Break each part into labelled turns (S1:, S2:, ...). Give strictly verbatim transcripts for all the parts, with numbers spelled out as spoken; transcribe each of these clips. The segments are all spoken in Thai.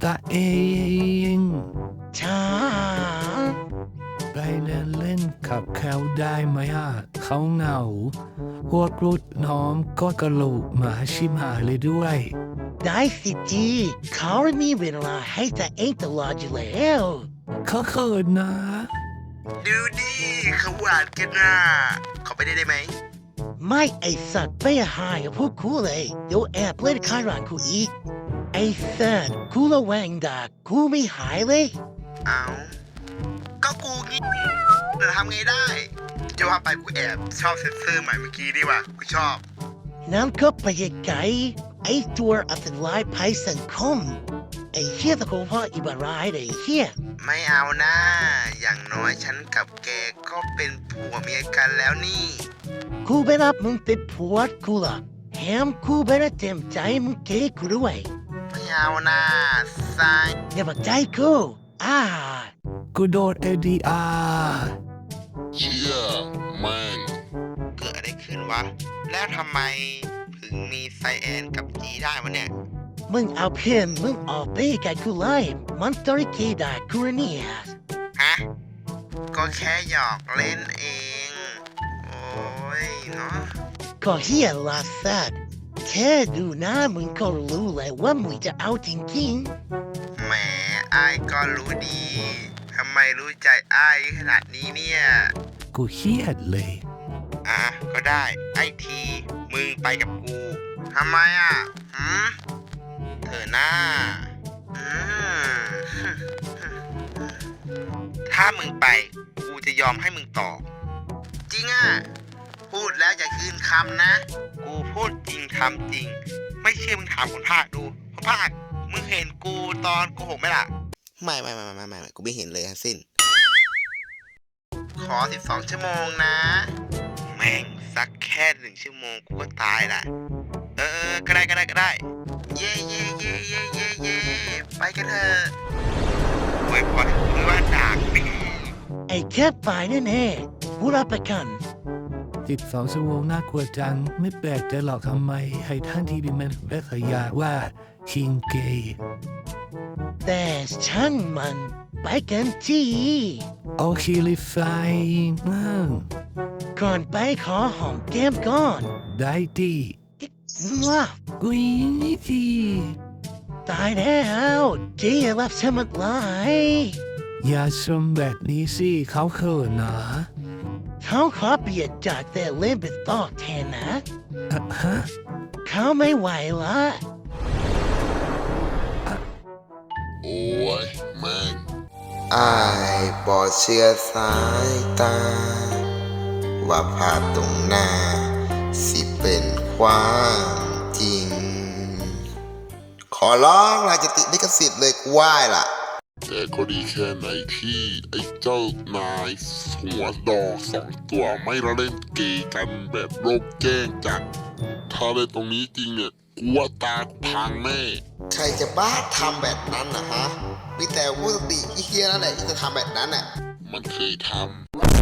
S1: ตาเอง
S2: ช้า
S1: ไปเล่นเล่นกับเขาได้ไหมอ่ะเขาเหงาพวกรุ่นน้องก็กระโหลกหมาชิมหายเลยด้วย
S2: ได้สิจีเขามีเวลาให้แต่เองตลอดอยู่แล้ว
S1: เขาเขินนะ
S3: ดูดิเขาหวานกันนะขอไปได้ได้ไหม
S2: ไม่ไอสัตว์ไปหายกับพวกกูเลยเดี๋ยวแอบเล่นข้างหลังกูอีกไอสัตว์กูระแวงด่ากูไม่หายเลย
S3: เอาก็กูงี้จะทำไงได้จะว่าไปกูแอบชอบเซ็นเซอร์ใหม่เมื่อกี้ดีว่ะกูชอบ
S2: นั่นก็ไปไกลไอตัวอัตลายภัยสังคมไอเฮียตะโกนพ่ออีบารายเลยเฮีย
S3: ไม่เอานะอย่างน้อยฉันกับแกก็เป็นผัวเมียกันแล้วนี่
S2: กูไปรับมึงติดผัวกูละแถมกูไปรับเต็มใจมึงเกย์กูด้วย
S3: ไม่เอานะสาย
S2: อย่ามาใจกูอ่า
S1: กูโดนเอดีอาร์
S4: เชี่ยแม่ง
S3: เกิดอะไรขึ้นวะแล้วทำไมถึงมีไซแอนกับจีได้วะเนี่ย
S2: มึงเอาเพื่อนมึงออกไปกับกูเลยมันตริกีดากูเนี่ย
S3: ฮะก็แค่หยอกเล่นเองโอ้ยเนาะ
S2: ก็เฮียลาสัตว์แค่ดูหน้ามึงก็รู้เลยว่ามึงจะเอาจริง
S3: ๆแหมไอ้ก็รู้ดีทำไมรู้ใจไอ้ขนาดนี้เนี่ย
S1: กูเครียดเลย
S3: อ่ะก็ได้ไอ้ทีมึงไปกับกูทำไมอ่ะหืมเธอหน้าถ้ามึงไปกูจะยอมให้มึงต่อจริงอ่ะพูดแล้วอย่าคืนคำนะกูพูดจริงทำจริงไม่เชื่อมึงถามคนภาคดูคนภาคมึงเห็นกูตอนโกหกไหมล่ะไม่ไม่ไม่ไม่ไม่กูไม่เห็นเลยทั้งสิ้นขอสิบสองชั่วโมงนะแม่งสักแค่หนึ่งชั่วโมงกูก็ตายละเออก็ได้ก็ได้ก็ได้เย่เย่เย่เย่เย่เย่ไปกันเถอะโวยพรหรือว่าด่ากู
S2: ไอ้แค่ฝ่ายแน่ๆกูรับประกัน
S1: สิบสองชั่วโมงน่ากลัวจังไม่แปลกใจหรอกทำไมให้ท่านที่ดิมันและขยะว่าคิงเกย์
S2: แต่ช่างมันไปกันที่
S1: โอเคเลยไฟนั่ง
S2: ก่อนไปขอหอมแก้มก่อน
S1: ได้ดี
S2: ว้า
S1: กุยนี่ที
S2: ตายแล้วเจี๊ยบฉันมาลาย
S1: อย่าชมแบบนี้สิเขาเขินนะ
S2: เขาขอเปลี่ยนจากแต่เล่นเป็นต่อแทนนะ
S1: ฮะ
S2: เขาไม่ไหวละ
S4: โอ้ยแม่ง
S3: อายบอดเชื่อสายตาว่าภาพตรงหน้าสิเป็นความจริงขอร้องลาจะติดลิขสิทธิ์เลยกูไหว้ล่ะ
S4: แต่ก็ดีแค่ไหนที่ไอ้เจ้านายหัวดอกสองตัวไม่ละเล่นเกย์กันแบบโลกแจ้งจัดถ้าเล่นตรงนี้จริงเนี่ยกูว่าตากูพังแน่
S3: ใครจะบ้าทำแบบนั้นนะฮะมีแต่ผู้สติเฮียนั่นแหละที่จะทำแบบนั้นน่ะ
S4: มันเคยทำ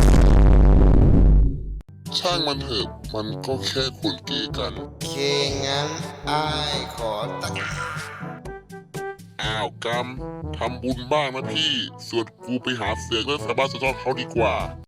S4: ช่างมันเถอะมันก็แค่คนเกย์กัน
S3: เคงั้นอายขอตัก
S4: อ้าวกรรมทำบุญบ้างนะพี่ส่วนกูไปหาเสือกเรื่องสาบานสะท้อนเขาดีกว่า